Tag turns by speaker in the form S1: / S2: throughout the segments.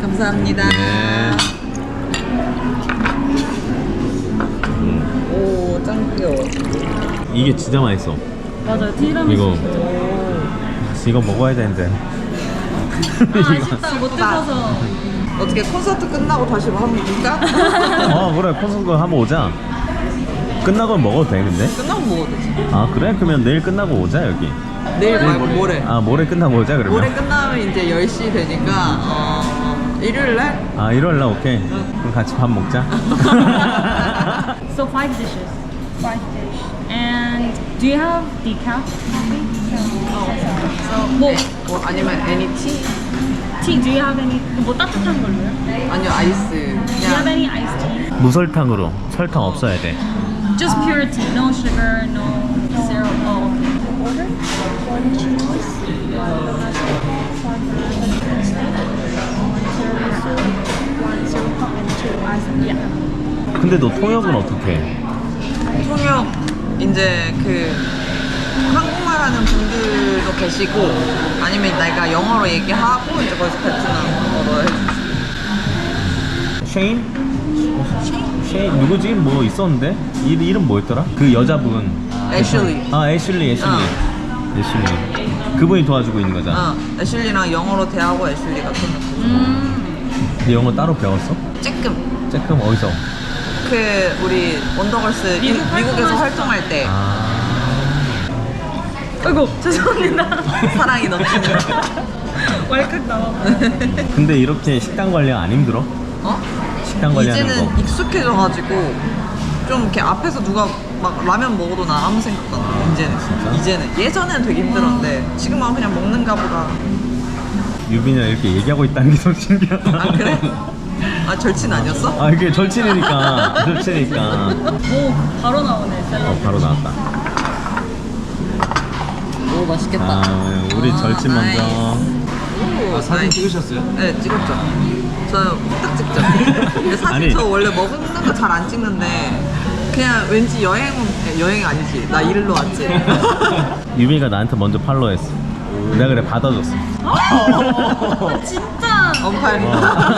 S1: 감사합니다.
S2: 네.
S1: 오, 짱 귀여워.
S2: 이게 진짜 맛있어.
S3: 맞아요. 티라미수.
S2: 이거 이거 먹어야 되는데.
S3: 아쉽다. 못 드셔서.
S1: 어떻게 콘서트 끝나고 다시 뭐 한번 볼까?
S2: 그래 콘서트 한번 오자. 끝나고 먹어도 돼 근데?
S1: 끝나고 먹어도 되지.
S2: 아 그래? 그러면 내일 끝나고 오자 여기.
S1: 내일 말고 모레.
S2: 아 모레 끝나고 오자 그러면.
S1: 모레 끝나면 이제 10시 되니까 일요일날?
S2: 아 일요일날 오케이. 그럼 같이 밥 먹자.
S3: So 5 dishes. 5 dish. And do you have decaf coffee? 뭐
S1: 뭐 아니면 any tea?
S3: tea? Do you have any? 뭐 따뜻한 걸로요?
S1: 아니요 아이스.
S3: Do you have
S1: 그냥
S3: any iced tea?
S2: 무설탕으로. 설탕 없어야 돼.
S3: Just pure tea. No sugar. No syrup. Oh, okay.
S4: Order one cheese, one tiramisu, and two ice.
S3: Yeah.
S2: 근데 너 통역은 어떻게 해?
S1: 통역 이제 그 한국말 하는 분들도 계시고 아니면 내가 영어로 얘기하고 이제 거기서 베트남어로 해주지. 쉐인
S2: 누구지? 뭐 있었는데? 이름 뭐였더라? 그 여자분.
S1: 애슐리.
S2: 아 애슐리. 애슐리. 그분이 도와주고 있는 거잖아.
S1: 애슐리랑 영어로 대하고 애슐리가 통역.
S2: 근데 영어 따로 배웠어?
S1: 쬐끔.
S2: 어디서?
S1: 그 우리 원더걸스 미국에서 활동할 때
S3: 아이고 죄송합니다.
S1: 사랑이 넘치는.
S3: 왈칵 나와.
S2: 근데 이렇게 식단 관리 안 힘들어? 식단 관리하는
S1: 이제는
S2: 거.
S1: 익숙해져가지고 좀 이렇게 앞에서 누가 막 라면 먹어도 나 아무 생각도 안 나.
S2: 진짜?
S1: 이제는 예전에는 되게 힘들었는데 지금은 그냥 먹는가 보다.
S2: 유빈이랑 이렇게 얘기하고 있다는 게 좀 신기하다.
S1: 아 그래? 아 절친 아니었어?
S2: 아 이게 절친이니까.
S3: 오 바로 나오네 샐러드.
S2: 바로 나왔다.
S1: 오 맛있겠다.
S2: 아 우리 절친
S1: 나이스.
S2: 먼저.
S1: 오,
S5: 사진
S1: 나이스.
S5: 찍으셨어요?
S1: 네 찍었죠. 저는 후딱 찍죠. 근데 사진
S2: 아니.
S1: 저 원래 먹는 거 잘 안 찍는데 그냥 왠지 여행이 아니지. 나 일로 왔지.
S2: 유빈이가 나한테 먼저 팔로우했어. 내가 그래 받아줬어.
S3: 진짜.
S1: 언팔.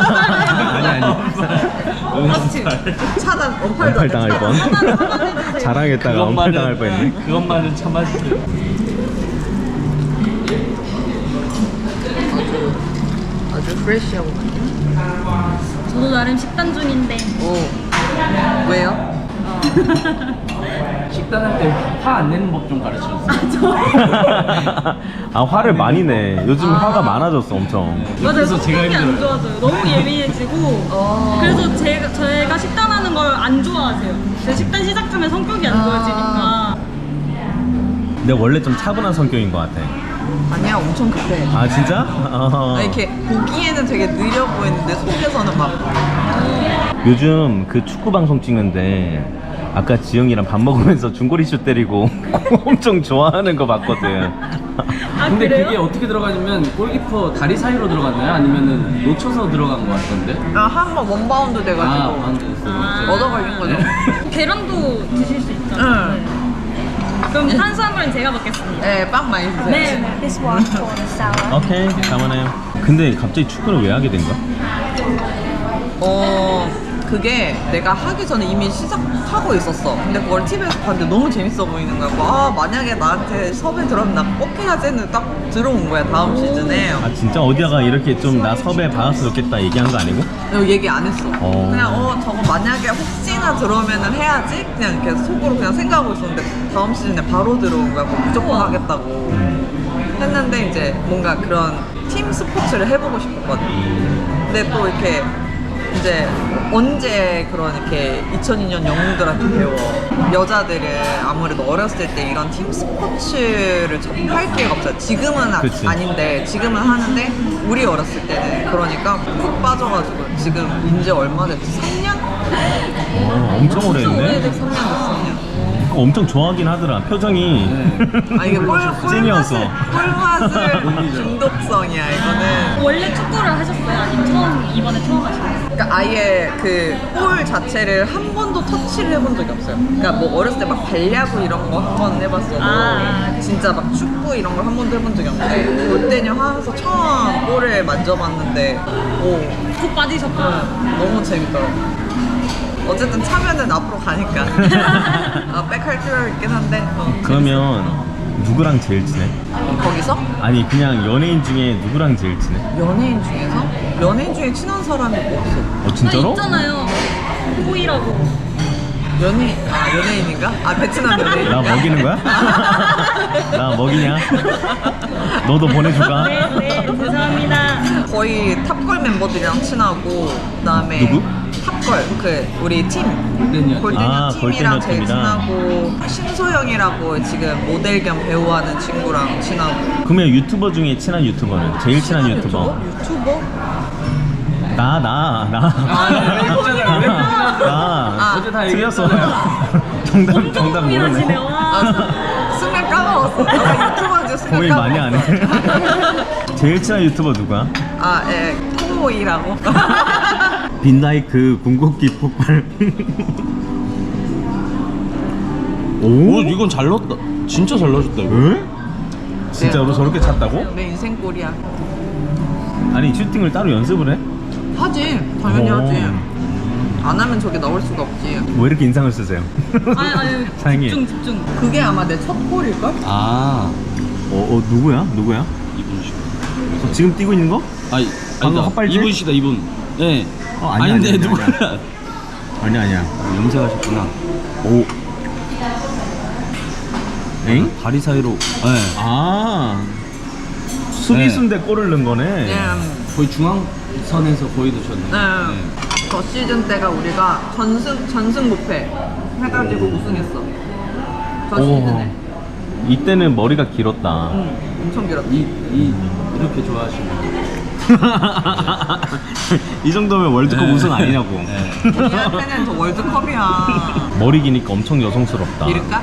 S2: 아니.
S1: 그렇지. 차단 언팔도
S2: 언팔 당할 뻔. 자랑했다가 언팔 당할 뻔했네.
S5: 그것만은 참아주세요.
S1: 아주 프레시하고.
S3: 저도 나름 식단 중인데.
S1: 오. 왜요?
S5: 식단할 때 화 안 내는 법 좀 가르쳐주세요.
S2: 아 화를 많이 내. 요즘 화가 많아졌어 엄청.
S3: 맞아요.
S5: 그래서 제가
S3: 성격이 안
S5: 힘들어요.
S3: 좋아져요. 너무 예민해지고. 그래서 저희가 식단하는 걸 안 좋아하세요. 제 식단 시작하면 성격이 안 좋아지니까.
S2: 내가 원래 좀 차분한 성격인 것 같아.
S1: 아니야 엄청 급해.
S2: 아 진짜?
S1: 아니, 이렇게 보기에는 되게 느려 보이는데 속에서는 막
S2: 요즘 그 축구 방송 찍는데 아까 지영이랑 밥 먹으면서 중거리 슛 때리고 엄청 좋아하는 거 봤거든.
S3: 아
S5: 근데
S3: 그래요?
S5: 그게 어떻게 들어가냐면 골키퍼 다리 사이로 들어갔나요? 아니면은 놓쳐서 들어간 것 같던데?
S1: 한번 원바운드 돼가지고
S5: 방금
S1: 얻어 걸린 거죠.
S3: 계란도 드실 수 있잖아요.
S1: 응.
S3: 네. 그럼 탄수화물은 제가 먹겠습니다.
S1: 네, 빵 많이 드세요.
S3: 네.
S4: This one for the salad.
S2: 오케이, 감안해요. 근데 갑자기 축구를 왜 하게 된 거야?
S1: 그게 내가 하기 전에 이미 시작하고 있었어. 근데 그걸 TV에서 봤는데 너무 재밌어 보이는 거야. 아, 만약에 나한테 섭외 들어오면 나 꼭 해야지 했는데 딱 들어온 거야, 다음 시즌에.
S2: 아 진짜 어디다가 이렇게 좀 나 섭외 받았으면 좋겠다 얘기한 거 아니고?
S1: 이거 얘기 안 했어.
S2: 어.
S1: 그냥 저거 만약에 혹시나 들어오면은 해야지 그냥 이렇게 속으로 그냥 생각하고 있었는데 다음 시즌에 바로 들어온 거야. 뭐 무조건 하겠다고 했는데 이제 뭔가 그런 팀 스포츠를 해보고 싶었거든. 근데 또 이렇게 이제 언제 그런 이렇게 2002년 영웅들한테 배워. 여자들은 아무래도 어렸을 때 이런 팀 스포츠를 접할 기회가 없어요. 지금은
S2: 그치.
S1: 아닌데 지금은 하는데 우리 어렸을 때는 그러니까 푹 빠져가지고 지금 이제 얼마 됐지? 3년?
S2: 엄청 오래
S1: 엄청
S2: 했네.
S1: 오래됐어. 3년 됐어. 3년.
S2: 엄청 좋아하긴 하더라. 표정이.
S1: 아 이게
S2: 찐이었어.
S1: 꿀맛을 중독성이야 이거는.
S3: 원래 축구를 하셨어요? 아니면 이번에 처음 하셨어요?
S1: 그러니까 아예 그 볼 자체를 한 번도 터치를 해본 적이 없어요. 그러니까 뭐 어렸을 때 막 발야구 이런 거 한 번 해봤어도 진짜 막 축구 이런 걸 한 번도 해본 적이 없는데 골대녀 하면서 처음 볼을 만져봤는데
S3: 푹 빠지셨구나.
S1: 너무 재밌더라고. 어쨌든 차면은 앞으로 가니까 백할 필요 있긴 한데
S2: 그러면 누구랑 제일 친해?
S1: 거기서
S2: 아니 그냥 연예인 중에 누구랑 제일 친해?
S1: 연예인 중에서 연예인 중에 친한 사람이 없어.
S2: 진짜로?
S3: 있잖아요. 호이라고.
S1: 연예인인가? 베트남 연예인인가?
S2: 나 먹이는 거야? 나 먹이냐? 너도 보내줄까?
S3: 네, 죄송합니다.
S1: 거의 탑걸 멤버들이랑 친하고 그다음에
S2: 누구?
S1: 탑걸 우리 팀
S5: 골대녀.
S1: 골대녀 팀이랑
S2: 골대녀
S1: 제일
S2: 팀이랑.
S1: 친하고 신소영이라고 지금 모델 겸 배우하는 친구랑 친하고.
S2: 그러면 유튜버 중에 친한 유튜버는? 제일 친한 유튜버?
S1: 유튜버?
S2: 나.
S5: 어제 다
S2: 틀렸어.
S5: 얘기했잖아요.
S2: 정답
S3: 고민하시네.
S2: 모르네.
S3: 와.
S1: 순간 까먹었어. 나 유튜버인지 순간
S2: 고민 많이 안 해. 제일 친한 유튜버 누구야?
S1: 콩모이라고.
S2: 빈라이크 궁극기 폭발.
S5: 오, 이건 잘 넣었다. 진짜 잘 넣어줬다 이거.
S2: 응? 진짜로 저렇게 찼다고?
S1: 내 인생 꼴이야.
S2: 아니 슈팅을 따로 연습을 해?
S1: 하지. 당연히
S2: 오.
S1: 하지. 안 하면 저게 나올 수가 없지.
S2: 왜 이렇게 인상을 쓰세요?
S3: 아니,
S2: 사장님.
S3: 집중.
S1: 그게 아마 내 첫 골일걸?
S5: 아,
S2: 누구야?
S5: 이분이시다.
S2: 지금 뛰고 있는 거?
S5: 아니,
S2: 방금
S5: 아니다.
S2: 헛발질?
S5: 이분이시다 이분. 네.
S2: 아니야,
S5: 아닌데
S2: 아니야,
S5: 누구야?
S2: 아니야.
S5: 염색하셨구나.
S2: 오. 엥?
S5: 다리 사이로. 네.
S2: 수비수인데 골을 넣은 거네.
S1: 네.
S5: 거의 중앙선에서 거의 넣으셨네.
S1: 저 시즌 때가 우리가 전승 무패 해가지고 우승했어. 저 시즌에.
S2: 이때는 머리가 길었다.
S1: 엄청 길었다.
S5: 이렇게 좋아하시는.
S2: 이 정도면 월드컵
S5: 네.
S2: 우승 아니냐고.
S5: 네.
S1: 우리한테는 저 월드컵이야.
S2: 머리 기니까 엄청 여성스럽다.
S1: 기를까?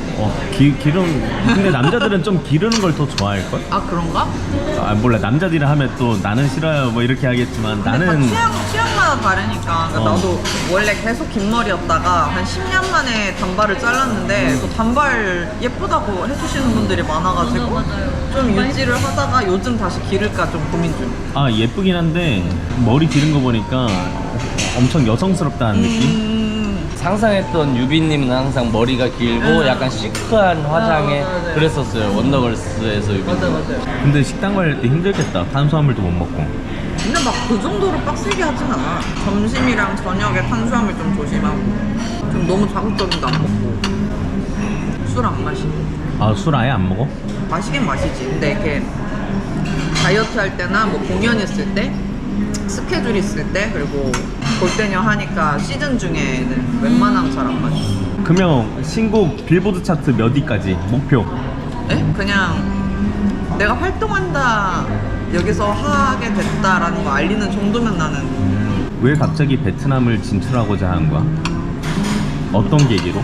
S2: 근데 남자들은 좀 기르는 걸 더 좋아할걸?
S1: 그런가?
S2: 몰라. 남자들이 하면 또 나는 싫어요 뭐 이렇게 하겠지만
S1: 근데
S2: 나는
S1: 다 취향마다 다르니까. 그러니까 나도 원래 계속 긴 머리였다가 한 10년 만에 단발을 잘랐는데 또 단발 예쁘다고 해주시는 분들이 많아가지고
S3: 맞아요.
S1: 좀 유지를 하다가 요즘 다시 기를까 좀 고민 중.
S2: 예쁘긴 한데 머리 기른 거 보니까 엄청 여성스럽다는 느낌?
S5: 상상했던 유빈님은 항상 머리가 길고 약간 시크한 화장에
S1: 맞아요.
S5: 그랬었어요. 원더걸스에서 유빈.
S1: 맞아요.
S2: 근데 식당 갈 때 힘들겠다. 탄수화물도 못 먹고.
S1: 근데 막 그 정도로 빡세게 하진 않아. 점심이랑 저녁에 탄수화물 좀 조심하고 좀 너무 자극적인 거 안 먹고 술 안 마시고.
S2: 술 아예 안 먹어?
S1: 마시긴 마시지. 근데 이렇게 다이어트 할 때나 뭐 공연 있을 때 스케줄 있을 때 그리고 골대녀 하니까 시즌 중에는 웬만하면 잘 안 마셔.
S2: 그러면 신곡 빌보드 차트 몇 위까지? 목표?
S1: 그냥 내가 활동한다 여기서 하게 됐다라는 거 알리는 정도면 나는.
S2: 왜 갑자기 베트남을 진출하고자 하는 거야? 어떤 계기로?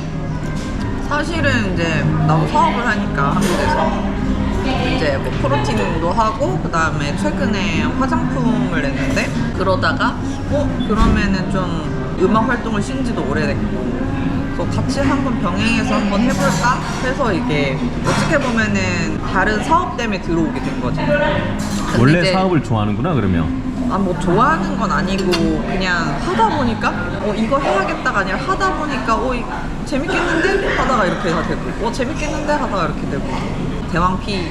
S1: 사실은 이제 나도 사업을 하니까 한국에서 이제 뭐 프로틴도 하고 그 다음에 최근에 화장품을 냈는데 그러다가 그러면은 좀 음악 활동을 쉰 지도 오래됐고 그래서 같이 한번 병행해서 한번 해볼까 해서 이게 어떻게 보면은 다른 사업 때문에 들어오게 된 거지. 근데
S2: 원래
S1: 이제
S2: 사업을 좋아하는구나 그러면.
S1: 뭐 좋아하는 건 아니고 그냥 하다 보니까 이거 해야겠다가 아니라 하다 보니까 재밌겠는데 하다가 이렇게 다 되고 재밌겠는데 하다가 이렇게 되고. 대왕피.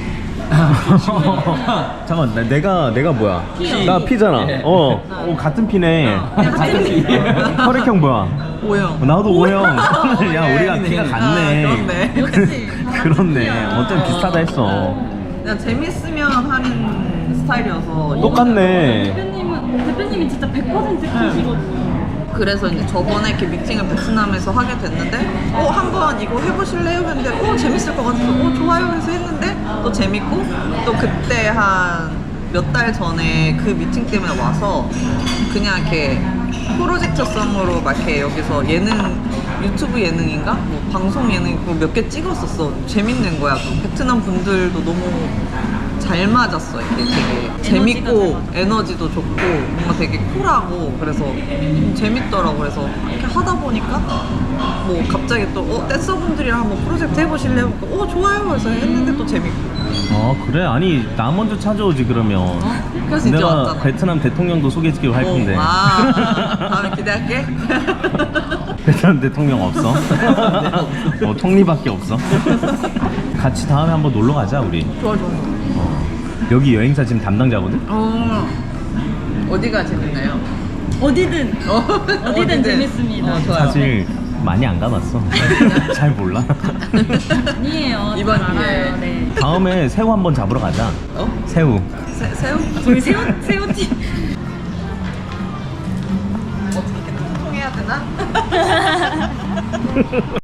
S2: 잠깐 내가 뭐야?
S5: 피.
S2: 나 피잖아.
S5: 예.
S2: 같은 피네.
S1: 같은 피.
S2: 혈액형 뭐야?
S1: O형.
S2: 나도 O형. 야
S1: 예.
S2: 우리가 피가 같네.
S1: 그렇네.
S3: 역시.
S2: 그렇네. 어쩜 비슷하다 했어.
S1: 그냥 재밌으면 하는 스타일이어서.
S2: 똑같네.
S3: 대표님이 진짜 100% 피시거든요.
S1: 그래서 이제 저번에 이렇게 미팅을 베트남에서 하게 됐는데 한번 이거 해보실래요? 했는데 재밌을 것 같아서 좋아요 해서 했는데 또 재밌고 또 그때 한 몇 달 전에 그 미팅 때문에 와서 그냥 이렇게 프로젝트성으로 막 이렇게 여기서 예능 유튜브 예능인가? 뭐 방송 예능 몇 개 찍었었어. 재밌는 거야. 또 베트남 분들도 너무 잘 맞았어. 이게 되게 재밌고 에너지도 좋고 뭔가 되게 쿨하고 그래서 좀 재밌더라고. 그래서 이렇게 하다 보니까 뭐 갑자기 또 댄서분들이랑 한번 프로젝트 해보실래요? 좋아요. 그래서 했는데 또 재밌고.
S2: 그래? 아니 나 먼저 찾아오지 그러면.
S1: 그래서 이제
S2: 내가
S1: 왔잖아.
S2: 베트남 대통령도 소개시키고 할 건데.
S1: 다음에 기대할게.
S2: 베트남 대통령 없어. 통리밖에 없어. 같이 다음에 한번 놀러 가자 우리.
S1: 좋아.
S2: 여기 여행사 지금 담당자거든.
S1: 어디가 재밌나요?
S3: 어디든 재밌습니다.
S1: 좋아요.
S2: 사실 많이 안 가봤어. 잘 몰라.
S3: 아니에요.
S1: 이번
S3: 잘
S1: 기회에.
S3: 알아요. 네.
S2: 다음에 새우 한번 잡으러 가자. 새우.
S1: 새우?
S3: 저희 새우튀.
S1: 어떻게 소통해야 되나?